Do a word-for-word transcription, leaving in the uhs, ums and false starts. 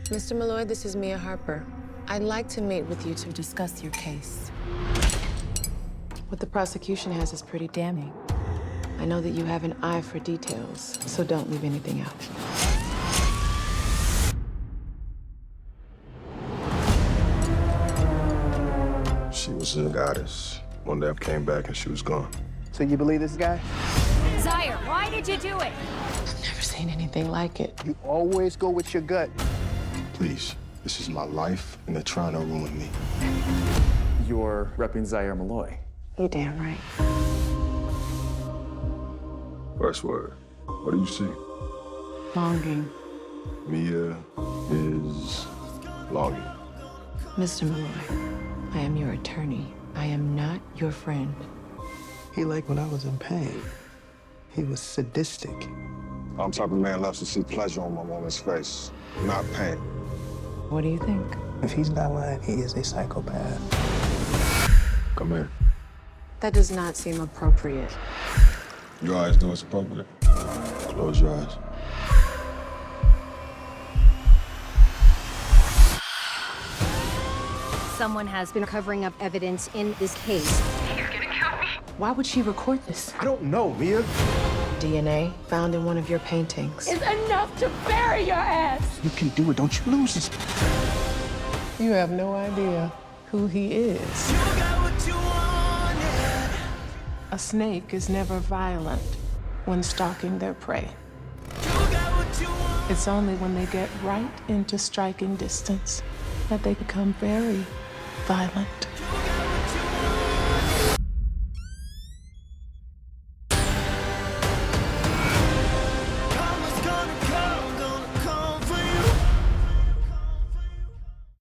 Mister Malloy, this is Mia Harper. I'd like to meet with you to discuss your case. What the prosecution has is pretty damning. I know that you have an eye for details, so don't leave anything out. She was a goddess. One day I came back and she was gone. So you believe this guy? Zaire, why did you do it? I've never seen anything like it. You always go with your gut. Please, this is my life and they're trying to ruin me. You're repping Zaire Malloy. You damn right. First word, what do you see? Longing. Mia is longing. Mister Malloy, I am your attorney. I am not your friend. He liked when I was in pain. He was sadistic. I'm the type of man loves to see pleasure on my woman's face, not pain. What do you think? If he's not lying, he is a psychopath. Come here. That does not seem appropriate. Your eyes know it's appropriate. Close your eyes. Someone has been covering up evidence in this case. Why would she record this? I don't know, Mia. D N A found in one of your paintings. It's enough to bury your ass. You can do it. Don't you lose this. You have no idea who he is. A snake is never violent when stalking their prey. It's only when they get right into striking distance that they become very violent.